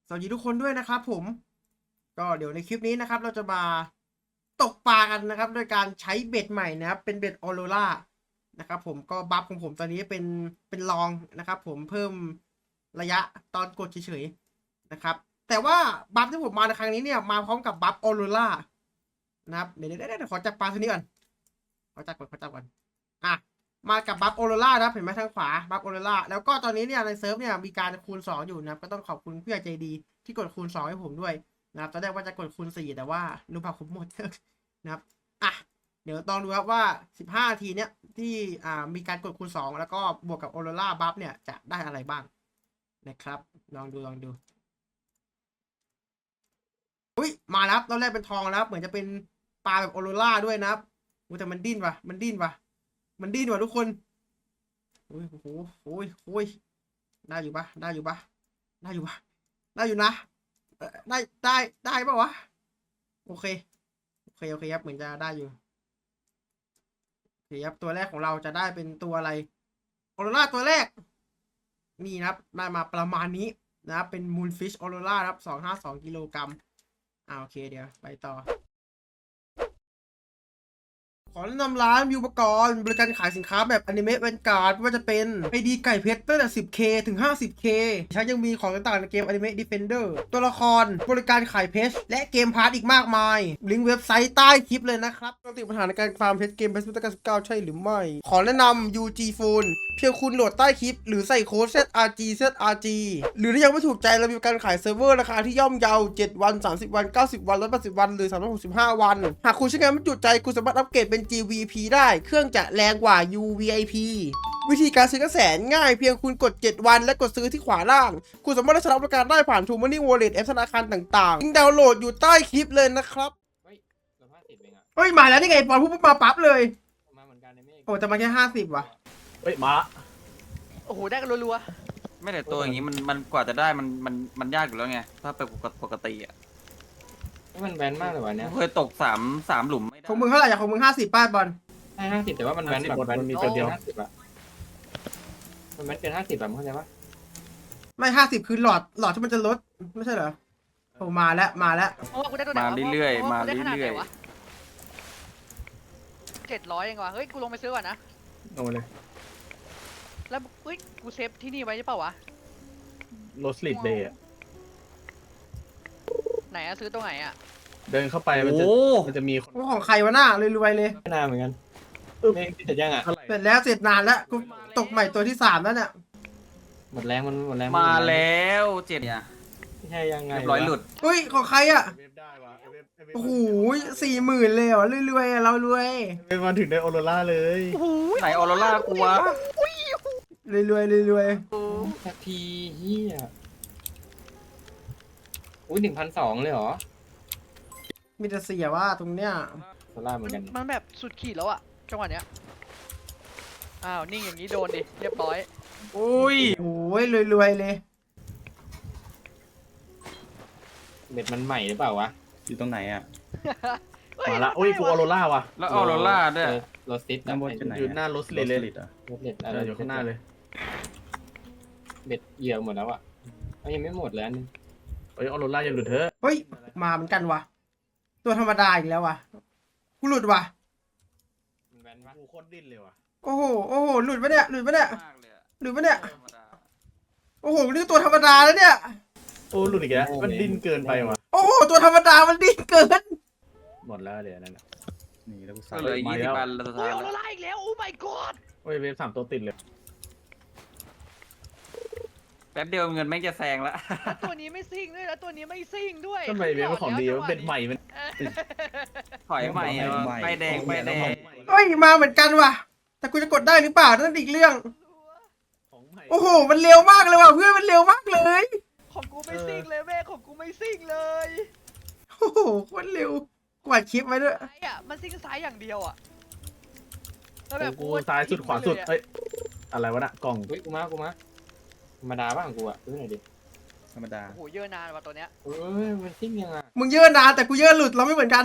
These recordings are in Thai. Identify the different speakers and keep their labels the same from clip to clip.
Speaker 1: สวัสดีทุกคนด้วยนะครับผมก็เดี๋ยวในคลิปนี้นะครับเราจะมาตกปลากันนะครับโดยการใช้เบ็ดใหม่นะครับเป็นเบ็ดออโรรานะครับผมก็บัฟของผมตอนนี้เป็นลองนะครับผมเพิ่มระยะตอนกดเฉยๆนะครับแต่ว่าบัฟที่ผมมาในครั้งนี้เนี่ยมาพร้อมกับบัฟออโรรานะครับเดี๋ยวขอจับปลาตัวนี้ก่อนขอจับก่อนอ่ะมากับบัฟออโรรานะครับเห็นไหมทางขวาบัฟออโรราแล้วก็ตอนนี้เนี่ยในเซิร์ฟเนี่ยมีการคูณ2อยู่นะครับก็ต้องขอบคุณผู้ใหญ่ใจดีที่กดคูณ2ให้ผมด้วยนะครับตอนแรกว่าจะกดคูณ4แต่ว่ารูปแบบผมหมด นะครับอ่ะเดี๋ยวต้องดูครับว่า15นาทีเนี้ยที่มีการกดคูณ2แล้วก็บวกกับออโรราบัฟเนี่ยจะได้อะไรบ้างนะครับลองดูอุ้ยมาแล้วตอนแรกเป็นทองแล้วเหมือนจะเป็นปลาแบบออโรราด้วยนะครับแต่มันดิ้นว่ะทุกคนโอ้ยโอ้ยได้อยู่ปะได้อยู่นะได้ปะวะโอเคครับเหมือนจะได้อยู่โอเคครับตัวแรกของเราจะได้เป็นตัวอะไรออโรราตัวแรกนี่นะครับได้มาประมาณนี้นะครับเป็นมูนฟิชออโรราครับ252 กิโลกรัมโอเคเดี๋ยวไปต่อขอแนะนำร้านวิวอุปกรณ์บริการขายสินค้าแบบอนิเมะแวนการ์ดไม่ว่าจะเป็นไอดีไก่เพชรตั้งแต่ 10K ถึง 50K ใช้ยังมีของต่างๆในเกมอนิเมะ Defender ตัวละครบริการขายเพชรและเกมพาร์ทอีกมากมายลิงก์เว็บไซต์ใต้คลิปเลยนะครับปกติปัญหาในการฟาร์มเพชรเกมเพชรพุทธกาล19ใช่หรือไม่ ขอแนะนำ UG Phone เพียงคุณโหลดใต้คลิปหรือใส่โค้ด ZRG หรือถ้ายังไม่ถูกใจเรามีการขายเซิร์ฟเวอร์ราคาที่ย่อมเยา7วัน30วัน90วัน180วันหรือ365วันหากคุณใช้งานไม่จุใจคุณสามารถอัปเกรดเป็น GVP ได้เครื่องจะแรงกว่า UVIP วิธีการซื้อก็แสนง่ายเพียงคุณกด7วันและกดซื้อที่ขวาล่างคุณสามารถได้ใช้บริการได้ผ่าน True Money Wallet แอปธนาคารต่างๆลิงก์ดาวน์โหลดอยู่ใต้คลิปเลยนะครับ
Speaker 2: เฮ้ย150เองอะ
Speaker 1: เฮ้ยมาแล้วนี่ไงปอนพูดมาปั๊บเลย
Speaker 2: มาเหมือนกันในเมฆ
Speaker 1: โอ้แต่มาแค่50ว่ะ
Speaker 3: เฮ้ยมา
Speaker 4: โอ้โหได้กันรัว
Speaker 5: ไม่แต่ตัวอย่างนี้มันกว่าจะได้มันยากอยู่แล้วไงถ้าเป็นปกติอ่ะ
Speaker 2: นี่มันแบนมากเลยวะเนี่ย
Speaker 5: เคยตกสามหลุมไม่ได้
Speaker 1: ของมึงเท่าไหร่อย่างของมึง50ป้าบอล
Speaker 2: ให้50แต่ว่ามันแบนแบบแบน
Speaker 3: มันมีตัวเดียว
Speaker 2: 50อะมันแบนเกิน50แบบเข้าใจปะ
Speaker 1: ไม่50คือหลอดที่มันจะลดไม่ใช่เหรอโอ้มาแล้ว
Speaker 4: ๆเพราะว่ากูได้ตัวไหน
Speaker 5: มาว
Speaker 4: ะ
Speaker 5: เรื่อย
Speaker 4: พะ
Speaker 5: ๆมา
Speaker 4: ว่กูได้ขนาดไหน
Speaker 5: เรื่อยว
Speaker 4: ะ700เองวะเฮ้ยกูลงไปซื้อก่อนนะ
Speaker 3: โอ้เลย
Speaker 4: แล้วเฮ้ยกูเซฟที่นี่ไว้ใช่เปล่าวะ
Speaker 3: โรสลิดเดย์
Speaker 4: ไหนอะซื้อตรงไหนอะ
Speaker 3: เดินเข้าไป
Speaker 5: ๆ
Speaker 3: มัน
Speaker 5: โอ้
Speaker 3: จะมีคน
Speaker 1: ว่าของใครวะหน้ารวยๆเลย
Speaker 2: ไม่นานเหมือนกันเมฆติดยังอะ
Speaker 3: เท่าไหร่
Speaker 1: เสร็จแล้วเสร็จนานแล้วกูตกใหม่ตัวที่3แล้วเนี่ย
Speaker 2: หมดแรงมันหมดแรง
Speaker 5: มาแล้วเจ็ดเนี่ย
Speaker 2: ไม่ใช่ยังไง
Speaker 5: เรียบร้อยหลุด
Speaker 1: เฮ้ยของใครอ่ะ
Speaker 3: เวฟได้วะเวฟ
Speaker 1: โอ้โห40,000เลยเหรอรวยๆเรารวย
Speaker 3: เวฟมาถึงได้ออโรราเลย
Speaker 4: โอ้โห
Speaker 5: ไหนออโรร่ากูวะ
Speaker 1: รวย
Speaker 2: สักทีเฮียอุ้ย1,200เลยเหรอ
Speaker 1: มีแต่เสียว่าตรงเนี้ย
Speaker 2: โซล่าเหมือนกัน
Speaker 4: มันแบบสุดขีดแล้วอะจังหวะเนี้ยอ้าวนิ่งอย่างนี้โดนดิเรียบร้อย
Speaker 5: อุ้ย
Speaker 1: โอ้ยรวยเลย
Speaker 2: เบ็ดมันใหม่หรือเปล่าวะ
Speaker 5: อยู่ตรงไหนอ่ะ
Speaker 4: เฮ้ย
Speaker 3: มาละอุ้ยฟูออโรราว่ะ
Speaker 5: แล้วออโรร่าด้วย
Speaker 2: โรสติส
Speaker 5: น้ำบนจะไหน
Speaker 3: อยู่หน้าโรสลิดเลย
Speaker 2: โรสติส
Speaker 3: อยู่ข้างหน้าเลย
Speaker 2: เบ็ดเหยื่อหมดแล้วอะยังไม่หมดเลยอันนึง
Speaker 3: เฮ้ยออโรราอย่าหลุดเถอะ
Speaker 1: เฮ้ยมาเหมือนกันว่ะตัวธรรมดาอีกแล้วว่ะกูหลุดว่ะ
Speaker 2: มันแบนปะ
Speaker 3: กูโคตรดิ้นเลยว่ะ
Speaker 1: โอ้โหหลุดปะเนี่ย
Speaker 5: มากเลยอะ
Speaker 1: หลุดปะเนี่ย
Speaker 5: ธรรมดา
Speaker 1: โอ้โหนี่ตัวธรรมดาแล้วเนี่ย
Speaker 3: โอ้หลุดอีกแล้วมันดิ้นเกินไปว่ะ
Speaker 1: โอ้โหตัวธรรมดามันดิ้นเกิน
Speaker 3: หมดแล้วเดี๋ยวนั่นน่ะนี่แล้วกู
Speaker 5: ก็เหลือ
Speaker 3: มา
Speaker 5: 20
Speaker 3: แล้ว
Speaker 5: อันแล้วสุด
Speaker 4: โอ้
Speaker 5: ท้าย ย
Speaker 4: ออ
Speaker 5: แล้
Speaker 4: โร
Speaker 5: ว
Speaker 4: ร่าอีกแล้วโอ้ my god
Speaker 3: โอ้ยเวฟ3 ตัวติดเลย
Speaker 5: แป๊บเดียวเงินแม่งจะแซงละ
Speaker 4: แล้วตัวนี้ไม่ซิ่งด้วยแล้วตัวนี้ไม่ซิ่งด้วย
Speaker 3: ทำไมเวฟมันของดีวะเบ็ดใหม่มัน
Speaker 5: ถอยใหม่อะไปแดง
Speaker 1: เฮ้ยมาเหมือนกันว่ะ แต่กูจะกดได้หรือเปล่านั่นอีกเรื่อง
Speaker 3: ของใหม่
Speaker 1: โอ้โหมันเร็วมากเลยว่ะเพื่อนมันเร็วมากเลย
Speaker 4: ของกูไม่ซิ่งเลยแม่ของกูไม่ซิ่งเลย
Speaker 1: โอ้โหโคตรเร็วกวาดคลิปไว้ด้วย
Speaker 4: ซ้ายอ่ะมันซิ่งซ้ายอย่างเดียวอ่ะแล้ว
Speaker 3: ข
Speaker 4: แบ
Speaker 3: อบ งกู
Speaker 4: ว่า
Speaker 3: ซ้ายสุดขวาสุด
Speaker 4: เลยอะ
Speaker 3: เอ้ยอะไรวะน่ะกล่อง
Speaker 2: อุ้ยกูมาธรรมดาบ้างกูอะดูหน่อยดิ
Speaker 3: ธรรมดา
Speaker 4: โอ้โหเยอะนานว่ะตัวเนี้ย
Speaker 2: เอ้ยมันซิ่งยังอะ
Speaker 1: มึงเยอะนะแต่กูเยอะหลุดเราไม่เหมือนกัน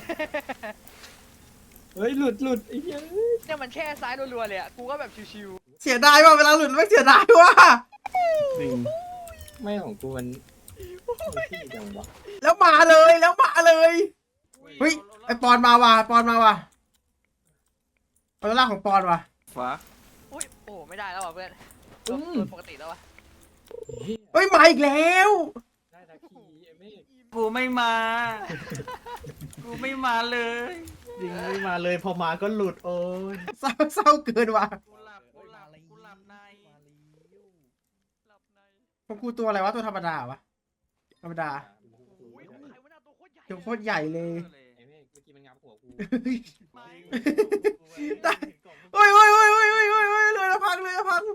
Speaker 2: เฮ้ยหลุดไอ้เหี้ย
Speaker 4: เนี่ยมันแช่ซ้ายรัวๆเลยอ่ะกูก็แบบชิว
Speaker 1: เสียดายว่ะเวลาหลุดไม่เสียดายว่ะ
Speaker 3: จริง
Speaker 2: ไม่ของกูมันที่จังวะ
Speaker 1: แล้วมาเลยแล้วมาเลย เฮ้ย ไอปอนมาว่ะปอนมาว่ะออโรล่าของปอนว่ะ
Speaker 5: ฟ้า
Speaker 4: อุ้ยโอ้ไม่ได้แล้วว่ะเพื่อนตัวปกติแล้ววะ
Speaker 1: เฮ้ยมาอีกแล้ว
Speaker 2: ได้ตะคีไอ้เมฆ
Speaker 5: กูไม่มา กูไม่มาเลย
Speaker 3: ยิงไม่มาเลยพอมาก็หลุดโอ้ย
Speaker 1: เศร้าเกินว่ะ
Speaker 5: กูหลับใน
Speaker 4: หลับใน
Speaker 1: ของกูตัวอะไรวะตัวธรรมดาวะธรรมดา
Speaker 4: อุ้ยของใครวะหน้าตัวโคตรใหญ่
Speaker 1: ตัวโคตรใหญ่เลย
Speaker 2: ไอ้เมฆเมื่อกี้มันงับหัวกู
Speaker 5: ไม่
Speaker 1: ได้ โอ้ยโอ้ยโอ้ยโอ้ยโอ้ยโอ้ยโอ้ยเลยละพังเลยละพัง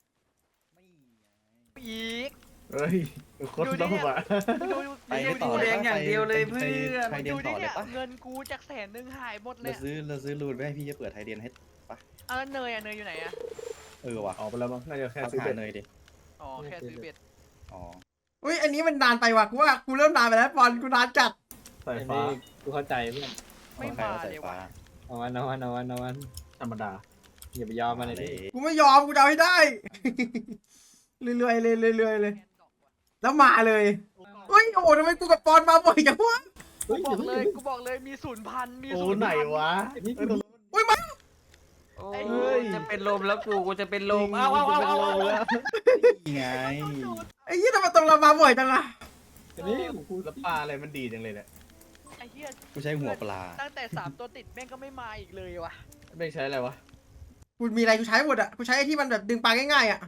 Speaker 4: อีก
Speaker 3: เฮ้ยโคตรโลภอ่ะ
Speaker 4: ดู
Speaker 5: ไปกูแดงอย่างเดียวเลยเพื่อน
Speaker 6: ไทยเดียน
Speaker 4: ดู
Speaker 6: ต่
Speaker 4: ดิ
Speaker 6: อเล
Speaker 4: เนี่ย ย
Speaker 6: ปะ
Speaker 4: เงินกูจาก100,000หายหมดเล
Speaker 6: เรา
Speaker 4: ย
Speaker 6: ซื้อรูนไว้ให้พี่จะเปิดไทยเดียนให้
Speaker 4: เอาแล้วเนยอะเนยอยู่ไหนอะ
Speaker 6: ว่ะ
Speaker 3: ออกไปแล้วมั้งน่าจะแค่
Speaker 6: เอา
Speaker 3: ซื้อ
Speaker 6: หา
Speaker 3: เป็ด
Speaker 6: เนยดิ
Speaker 4: อ๋อแค่ซื้อเบ็ด
Speaker 6: อ๋อ
Speaker 1: อุ้ยอันนี้มันนานไปว่ะกูว่ากูเริ่มนานไปแล้วปอนกูนานจัด
Speaker 3: สาย
Speaker 2: ไอ้เม
Speaker 3: ฟ้า
Speaker 2: ฆกูเข้าใจเพื่อน
Speaker 4: ไม่
Speaker 6: ใคร
Speaker 4: มา
Speaker 6: เอาสาย
Speaker 4: เลย
Speaker 6: ฟ้า
Speaker 4: ว่ะ
Speaker 2: เอาวัน
Speaker 3: ธรรมดา
Speaker 2: อย่าไปยอมมันเลยดิ
Speaker 1: กูไม่ยอมกูจะเอาให้ได้ เรื่อยๆเลยเรื่อยๆเลย แล้วมาเลยเฮ้ยโอ้โหทำไมกูกับปอนมาบ่อยจังวะ
Speaker 2: เฮ้ย
Speaker 4: กูบอกเลยมี0,000มี
Speaker 3: โอ้
Speaker 4: 0,000
Speaker 3: ไหนวะ
Speaker 2: ไอ้นี่
Speaker 3: เอ้ย
Speaker 1: อุ้ยมา
Speaker 5: โอ้
Speaker 3: เฮ้ย
Speaker 5: จะเป็นลมแล้วกูจะเป็นลม
Speaker 3: เอาเอาแล้ว
Speaker 6: นี่ไง
Speaker 1: ไอ้ยี่ทำไมตรงเรามาบ่อยจังอะ
Speaker 2: ไอ้นี่ของกู
Speaker 3: แล้วปลาอะไรมันดีจังเลยเนี่ย
Speaker 4: ไอ้เหี้ย
Speaker 6: กูใช้หัวปลา
Speaker 4: ตั้งแต่3ตัวติดแม่งก็ไม่มาอีกเลยว่ะ
Speaker 3: ไม่ใช้อะไรวะ
Speaker 1: กูมีอะไรกูใช้หมดอะกูใช้ไอ้ที่มันแบบดึงปลาง่ายๆอะ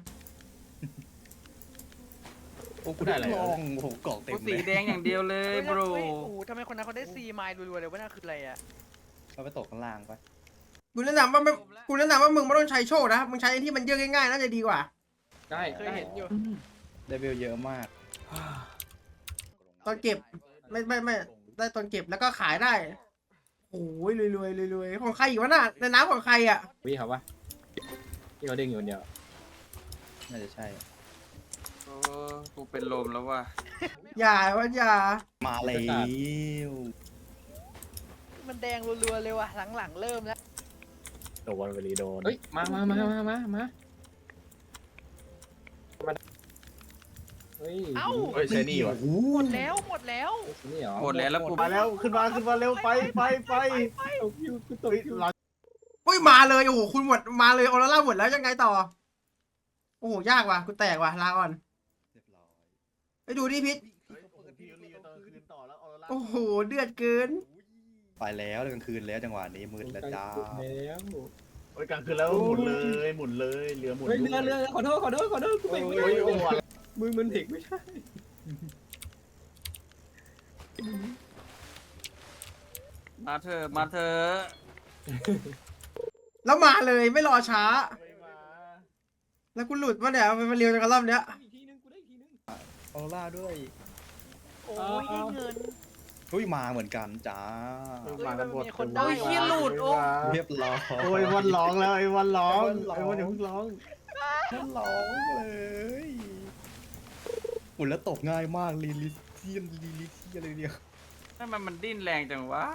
Speaker 3: โอ้กูได้อะไร
Speaker 6: ลองโอ้โหกล่องเต็ม
Speaker 5: กู
Speaker 6: เล
Speaker 5: สี
Speaker 6: ย
Speaker 5: แดงอย่างเดียวเลย
Speaker 4: เฮ้ย
Speaker 5: โบร
Speaker 4: เฮ้ยโอ้โหทำไมคนนั้นเขาได้4 ไมล์รัวๆเลยวะนั่นคืออะไรอะ
Speaker 6: เอาไปตกข้างล่างปะ
Speaker 1: กูแนะนำว่าไม่กูแนะนำว่ามึงไม่ต้องใช้โชคนะมึงใช้ไอ้ที่มันเยอะง่ายๆน่าจะดีกว่า
Speaker 2: ได้
Speaker 4: เคยเห็นอยู่
Speaker 6: ได้เวลเยอะมาก
Speaker 1: ตอนเก็บไม่ได้ตอนเก็บแล้วก็ขายได้โอ้ยรวยๆของใครอีกวะน่ะในน้ำของใครอะ
Speaker 2: วิ่งเขาปะที่เขาดึงอยู่คนเดียว
Speaker 6: น่าจะใช่
Speaker 5: โอ้กูเป็นลมแล้วว่ะ
Speaker 1: อย่าว่าอย่า
Speaker 6: มาแล้ว
Speaker 4: มันแดงรัวๆเลยว่ะหลังๆเริ่มแล้ว
Speaker 3: โดนไปรีโดน
Speaker 2: เฮ้ยมาเฮ้ย
Speaker 4: เอ้า
Speaker 3: เฮ้ยใช้นี่วะ
Speaker 4: หมดแล้วหมดแล้ว
Speaker 2: นี่เหรอ
Speaker 5: หมดแล้วกู
Speaker 3: มาแล้วขึ้นมาเร็วไป
Speaker 2: ตกอยู่กูตกอยู่
Speaker 1: อุ้ยมาเลยโอ้โหคุณหมดมาเลยออโรร่าหมดแล้วยังไงต่อโอ้โหยากว่ะกูแตกว่ะลาก่อน
Speaker 6: เรียบร้อย
Speaker 1: ไปดูดิพิษ
Speaker 3: พี่รีตอนคืนต่อแล้วออโรร่า
Speaker 1: โอ้โหเดือดเกิน
Speaker 6: ไปแล้วกลางคืนแล้วจังหวะนี้มืดแล้วจ้า
Speaker 2: แล้ว
Speaker 3: โอ้ยกลางคืนแล้วหมุนเลยเรือหมุน
Speaker 2: เฮ้ยเรือขอโทษกูไม่
Speaker 3: โอ้ยโอ้ย
Speaker 2: มือมันเด็กไม่ใช่
Speaker 5: มาเถอะ
Speaker 1: แล้วมาเลยไม่รอช้า
Speaker 3: ไม่มา
Speaker 1: แล้วกูหลุดวะเนี่ยมันเร็วจังกันรอบเนี้ย
Speaker 2: อีกทีนึงกูได้อีกทีนึง
Speaker 6: ออโรร่าด้วย
Speaker 4: โอ้ยได้เงิน
Speaker 6: เฮ้ยมาเหมือนกันจ้า
Speaker 3: มากันหมด
Speaker 4: มีคนได้
Speaker 5: โอ้ยเฮียหลุดโอ้
Speaker 6: เรียบร้อย
Speaker 3: โอ้ยวันร้องแล้วไอ้วันร้องไอ้วันอย่าเพิ่งร้อง
Speaker 6: มันร้องเลยอุ่นแล้วตกง่ายมากลิลิเทียมอะไรเดียว
Speaker 5: ทำไมมันดิ้นแรงจังวะ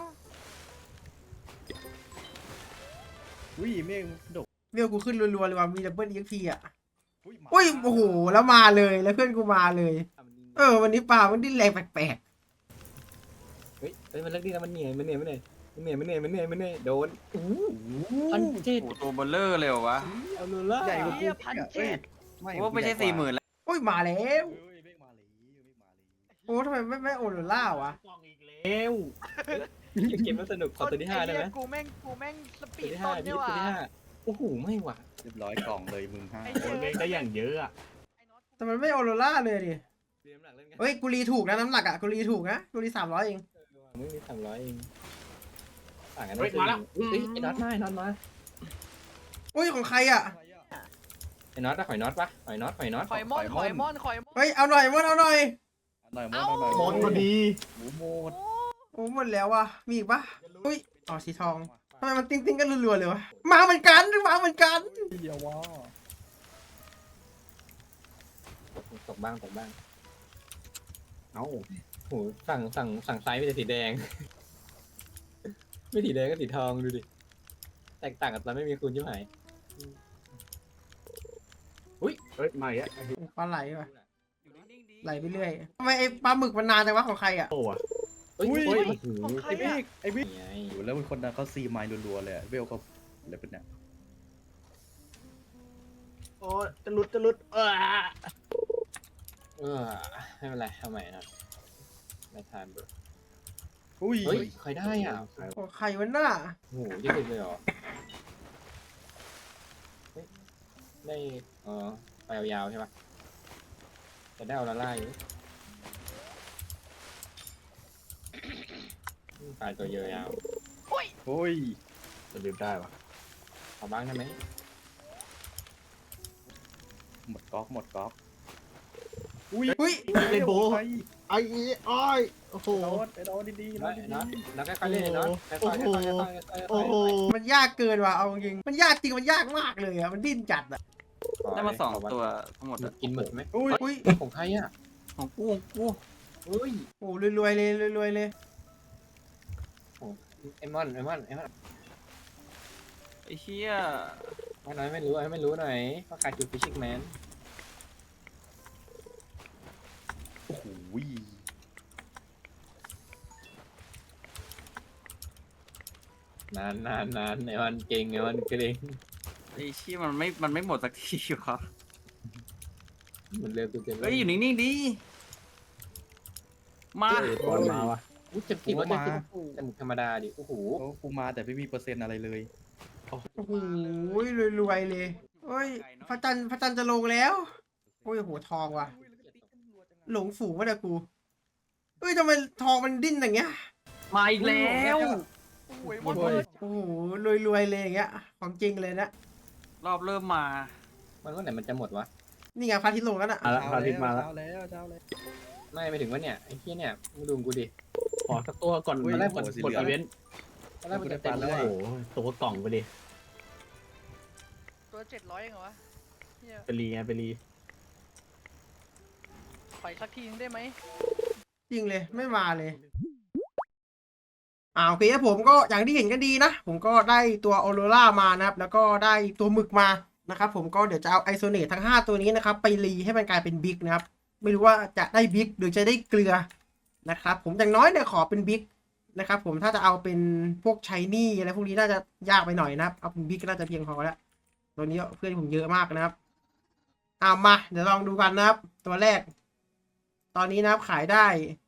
Speaker 6: อุ้ยเมฆดก
Speaker 1: เรียวกูขึ้นรัวๆเลยว่ะมีดับเบิลเอ็กพีอ่ะ
Speaker 6: มา
Speaker 1: อุ้ยโอ้โหแล้วมาเลยแล้วเพื่อนกูมาเลย วันนี้ปลามันดิ้นแรงแปลก
Speaker 2: เฮ้ยมันเลิกดีแล้วมันเหนื่อยโดนพันเจ็ด
Speaker 5: โอ้ตัวเบลเลอร์เลยเหรอวะ
Speaker 2: เอาโลล่า
Speaker 6: ใหญ่กว่า
Speaker 4: เหี้ย1,700
Speaker 5: กูว่าไม่ใช่40,000แล้ว
Speaker 1: ๆอุ้ยมาแล้ว
Speaker 6: เฮ้ยเมฆมาเลยเมฆมาเลย
Speaker 1: โอ้ทำไมไม่โอโรล่าวะ
Speaker 3: กล่องอีกแล้ว
Speaker 2: เกมมันสนุกขอตัวที่5ได้ไหม
Speaker 4: อ้เยกูแม่งสปี
Speaker 2: ตัว
Speaker 4: ด
Speaker 2: ที่
Speaker 4: ต้
Speaker 2: 5
Speaker 4: น
Speaker 2: พี่
Speaker 4: เนี่ย
Speaker 2: ตัว
Speaker 4: ว่ะ
Speaker 2: ที่5โอ้โหไม่หว่ะ
Speaker 6: เรียบร้อยกล่องเลยมึงห้า
Speaker 3: โอ้ยเมฆได้อย่างเยอะอ่ะ
Speaker 1: แต่มันไม่โอโรล่าเลยดิ
Speaker 2: เรียนน้ำหนักเล่นกัน
Speaker 1: เฮ้ยกูรีถูกนะน้ำหนักอ่ะกูรีถูกนะกูรี300เอง
Speaker 2: ไม่มี300เองต่างกันไม่มาแล้วเฮ้ยไอ้น็อตมา
Speaker 1: อุ้ยของใครอ่ะ
Speaker 2: ไอ้น็อตอะหอยน็อตปะหอยน็อต
Speaker 4: ข่อยม่อน
Speaker 1: เฮ้ยเอาหน่อยมดเอาหน่อย
Speaker 6: หน่อยมดหน่อย
Speaker 3: หมดพอดี
Speaker 6: หมูหมด
Speaker 1: โอ้หมดแล้วว่ะมีอีกปะอุ้ยอ๋อสีทองทำไมมันติ้งกันรัวๆเลยวะมาเหมือนกัน
Speaker 6: เดียวว่า
Speaker 2: ตกบ้างเอ้าโหสั่งไซส์ไม่ใช่สีแดง ไม่สีแดงก็สีทองดูดิแตกต่างกันตอนไม่มีคุณใช่ไหม
Speaker 3: เฮ้ยมาอีกแล้ว
Speaker 1: ปลาไหลว่ะ
Speaker 5: อยู่นิ่งๆดี
Speaker 1: ไหลไปเรื่อยทำไมไอ้ปลาหมึกมันนานจังวะของใครอ่ะ
Speaker 3: โอ้อะ
Speaker 2: เฮ้ย
Speaker 6: อุ้ย
Speaker 2: โอ้ย
Speaker 4: ของใคร
Speaker 6: ไอ้บิ๊
Speaker 4: อะ
Speaker 6: กไอ้บิ๊ก
Speaker 2: ไง
Speaker 6: โอ้แล้วเป็นคนนั้นเขาซีไมล์รัวๆเลยอะเวลเขาอะไรเป็นเนี่ย
Speaker 3: โอ้จะหลุดจะหลุด
Speaker 2: ไม่เป็นไรทำไมนะไม่ทานเบอร์
Speaker 6: อุ้ย
Speaker 2: เฮ้ยใครได้อ่ะ
Speaker 1: ของใครวะน่ะ
Speaker 2: โอ้โหยี่สิบเลยเหรอเฮ้ยได้ไปยาวๆใช่ปะจะได้เอาละล่าอยู่ปลายตัวเยอะยาว
Speaker 6: โอ้ย
Speaker 3: จะดื่มได้ปะ
Speaker 2: ขอบ้างได้ไหม
Speaker 6: หมดก๊อกหมดก๊อกอุ้ย
Speaker 1: อุ้ย
Speaker 3: ไอ้โบ
Speaker 6: ใคร
Speaker 3: ไอ้อ้อยโอ้โห
Speaker 6: ไอ้โดนดีๆ
Speaker 2: น้
Speaker 6: นะ
Speaker 2: อย
Speaker 6: ดี
Speaker 2: น้อยน้อยค่อยๆเล่นน้อยค่อยๆค่อยๆค่อยๆค่อยๆ
Speaker 3: โอ้โห
Speaker 1: มันยากเกินว่ะเอาจริงมันยากจริงมันยากมากเลยอ่ะมันดิ้นจัดอ่ะ
Speaker 5: ได้มา2 ตัวทั้งหมดอะ
Speaker 2: กินหมึกไหม
Speaker 6: อุ้ย
Speaker 1: อุ้ย
Speaker 2: ของใครอ่ะ
Speaker 5: ของกูของกู
Speaker 2: เฮ้ย
Speaker 1: โอ้รวยๆเลยรวยๆเลย
Speaker 2: ไอมอนไอมอนไอมอน
Speaker 5: ไอ้เชี่ย
Speaker 2: ว่าน้อยไม่รู้ให้ไม่รู้หน่อยว่าใครคือฟิชชิ่งแมน
Speaker 6: โอ้โห
Speaker 2: นานไอมอนเก่งไอมอนเก่ง
Speaker 5: ไอ้เชี่ยมันไม่หมดสักทีวะ
Speaker 2: เหมือนเร็วเต็ม
Speaker 5: เฮ้ยอยู่นิ่งๆดิมา
Speaker 3: บอลมาวะ
Speaker 2: อู้เจ็บจริงว่าเจ็บจริงแต่หมึกธรรมดาดิโอ้โห
Speaker 6: โอ้กูมาแต่ไม่มีเปอร์เซ็นต์อะไรเลย
Speaker 1: โอ้โหรวยๆเลยเฮ้ยพระจันทร์จะลงแล้วโอ้ยโหทองว่ะหลงฝูงวะเนี่ยกูเฮ้ยทำไมทองมันดิ้นอย่างเงี้ย
Speaker 5: มาอีกแล้ว
Speaker 4: โอ้ยมอนเบิร์ด
Speaker 1: โอ้โหรวยๆเลยอย่างเงี้ยของจริงเลยนะ
Speaker 5: รอบเริ่มมา
Speaker 2: มันว่าไหนมันจะหมดวะ
Speaker 1: นี่ไงพระอาทิตย์ลงแล้วน่ะ
Speaker 3: มาแล้วพระอาทิตย์มาแล้ว
Speaker 6: เช้าแล้วเช้าแล้ว
Speaker 2: ไม่ถึงว่าเนี่ยไอ้เหี้ยเนี่ยมึงดูกูดิ
Speaker 3: ขอสักตัวก่อน
Speaker 6: อุ้ย
Speaker 3: ตอนแรกกด
Speaker 6: โอ้โหสี
Speaker 3: กด
Speaker 6: เหลือง
Speaker 3: อีเวนต์
Speaker 2: ตอนแรกมันจะเต็มแล้ว
Speaker 3: โอ้
Speaker 2: อะ
Speaker 3: โหตัวกล่องไปดิ
Speaker 4: ตัว700เองเหรอวะเฮีย
Speaker 3: ไปรีไงไปรี
Speaker 4: ขออีกสักทีนึงได้ไหม
Speaker 1: จริงเลยไม่มาเลยโอเคครับผมก็อย่างที่เห็นกันดีนะผมก็ได้ตัวออโรรามานะครับแล้วก็ได้ตัวหมึกมานะครับผมก็เดี๋ยวจะเอาไอโซเนตทั้ง5ตัวนี้นะครับไปรีให้มันกลายเป็นบิ๊กนะครับไม่รู้ว่าจะได้บิ๊กหรือจะได้เกลือนะครับผมอย่างน้อยเนี่ยขอเป็นบิ๊กนะครับผมถ้าจะเอาเป็นพวกไชนี่อะไรพวกนี้น่าจะยากไปหน่อยนะครับเอาเป็นบิ๊กก็น่าจะเพียงพอแล้วตัวนี้เพื่อนผมเยอะมากนะครับมาเดี๋ยวลองดูกันนะครับตัวแรกตอนนี้นะครับขายได้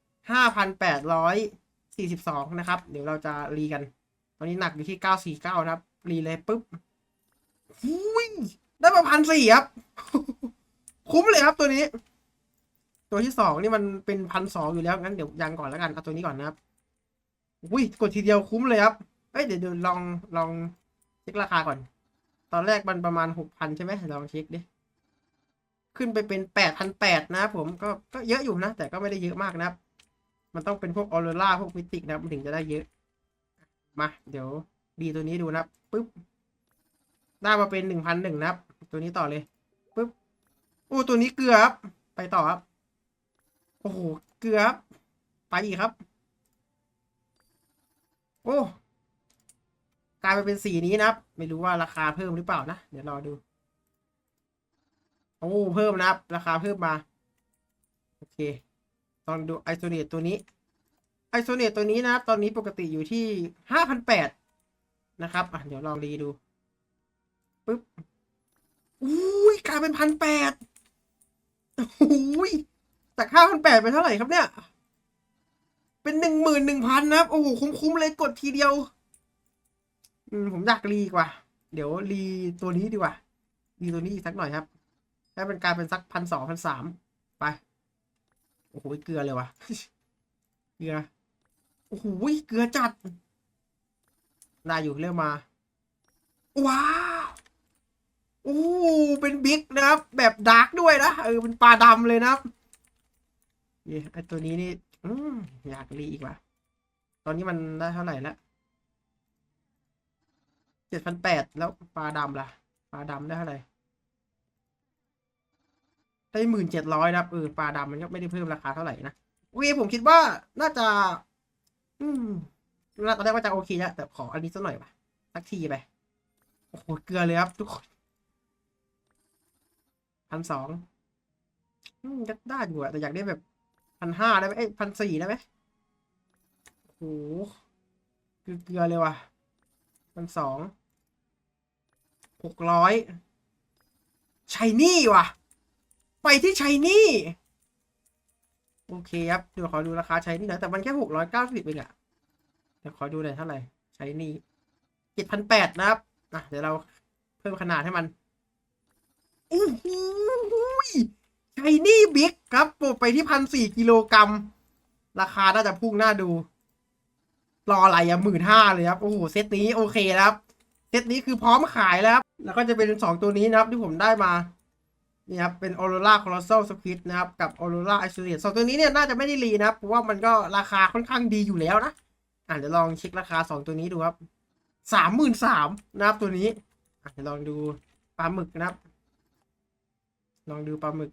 Speaker 1: 5,842นะครับเดี๋ยวเราจะรีกันตอนนี้หนักอยู่ที่949นะครับรีเลยปุ๊บอุ้ยได้มา1,400ครับ คุ้มเลยครับตัวนี้ ตัวที่2นี่มันเป็น1,200อยู่แล้วงั้นเดี๋ยวยังก่อนแล้วกันเอาตัวนี้ก่อนนะครับอุ้ยกดทีเดียวคุ้มเลยครับเอ้ยเดี๋ยวลองเช็คราคาก่อนตอนแรกมันประมาณ 6,000 ใช่ไหมลองเช็คดิขึ้นไปเป็น8,800นะครับผมก็เยอะอยู่นะแต่ก็ไม่ได้เยอะมากนะครับมันต้องเป็นพวกออโรราพวกมิติกนะครับมันถึงจะได้เยอะมาเดี๋ยวดีตัวนี้ดูนะครับปึ๊บได้มาเป็น1,100นะครับตัวนี้ต่อเลยปึ๊บโอ้ตัวนี้เกลือครับไปต่อครับโอ้โหเกลือครับไปอีกครับโอ้กลายไปเป็นสีนี้นะครับไม่รู้ว่าราคาเพิ่มหรือเปล่านะเดี๋ยวรอดูโอ้เพิ่มนะครับราคาเพิ่มมาโอเคลองดูไอโซเนตตัวนี้ไอโซเนตตัวนี้นะครับตอนนี้ปกติอยู่ที่5,800นะครับเดี๋ยวลองรีดูปึ๊บอุ้ยกลายเป็น1,800อุ้ยจาก5,800เป็นเท่าไหร่ครับเนี่ยเป็น11,000นะครับโอ้โหคุ้มเลยกดทีเดียวผมอยากรีกว่าเดี๋ยวรีตัวนี้ดีกว่ารีตัวนี้อีกสักหน่อยครับให้เป็นกลายเป็นสัก1,200 1,300ไปโอ้โหเกลือเลยวะ เกลือโอ้โหเกลือจัดได้อยู่เริ่มมาว้าวโอ้เป็นบิ๊กนะครับแบบดาร์กด้วยนะเป็นปลาดำเลยนะครับไอตัวนี้นี่อยากรีอีกว่ะตอนนี้มันได้เท่าไหร่แล้ว7,800แล้วปลาดำล่ะปลาดำได้เท่าไหร่ได้1,700นะครับปลาดำมันก็ไม่ได้เพิ่มราคาเท่าไหร่นะโอเคผมคิดว่าน่าจะตอนแรกว่าจะโอเคแล้วแต่ขออันนี้สักหน่อยป่ะสักทีไปโอ้โหเกลือเลยครับทุกคน1,200 ก็ได้อยู่อะแต่อยากได้แบบ1,500ได้ไหม1,400ได้ไหมโอ้โหเกลือเลยว่ะ1,200 600ชายนี่ว่ะ ไปที่ชายนี่โอเคครับเดี๋ยวขอดูราคาชายนี่หน่อยแต่มันแค่690เองอะเดี๋ยวขอดูหน่อยเท่าไหร่ชายนี่7,800นะครับเดี๋ยวเราเพิ่มขนาดให้มันอู้หูชายนี่บิ๊กครับไปที่1,400กิโลกรัมราคาน่าจะพุ่งน่าดูรออะไรอะ15,000เลยครับโอ้โหเซตนี้โอเคครับเซตนี้คือพร้อมขายแล้วครับแล้วก็จะเป็น2ตัวนี้นะครับที่ผมได้มานี่ครับเป็น Aurora Colossal Squid นะครับกับ Aurora Isolate 2ตัวนี้เนี่ยน่าจะไม่ได้รีนะครับเพราะว่ามันก็ราคาค่อนข้างดีอยู่แล้วนะเดี๋ยวลองเช็คราคา2ตัวนี้ดูครับ33,000นะครับตัวนี้เดี๋ยวลองดูปลาหมึกนะครับลองดูปลาหมึก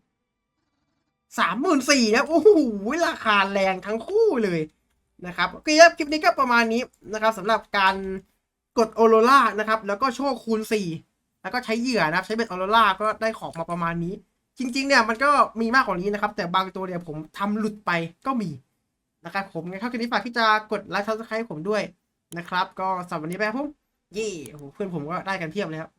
Speaker 1: 34,000นะโอ้โหราคาแรงทั้งคู่เลยนะครับโอเคครับคลิปนี้ก็ประมาณนี้นะครับสำหรับการกด Aurora นะครับแล้วก็โชคคูณ4แล้วก็ใช้เหยื่อนะครับใช้เบ็ด Aurora ก็ได้ของมาประมาณนี้จริงๆเนี่ยมันก็มีมากกว่านี้นะครับแต่บางตัวเนี่ยผมทำหลุดไปก็มีนะครับผมงั้นเข้าคลิปนี้ฝากที่จะกดไลค์ Subscribe ผมด้วยนะครับก็สำหรับวันนี้ไปครับผมเย่โอ้โหเพื่อนผมก็ได้กันเพียบเลยครับ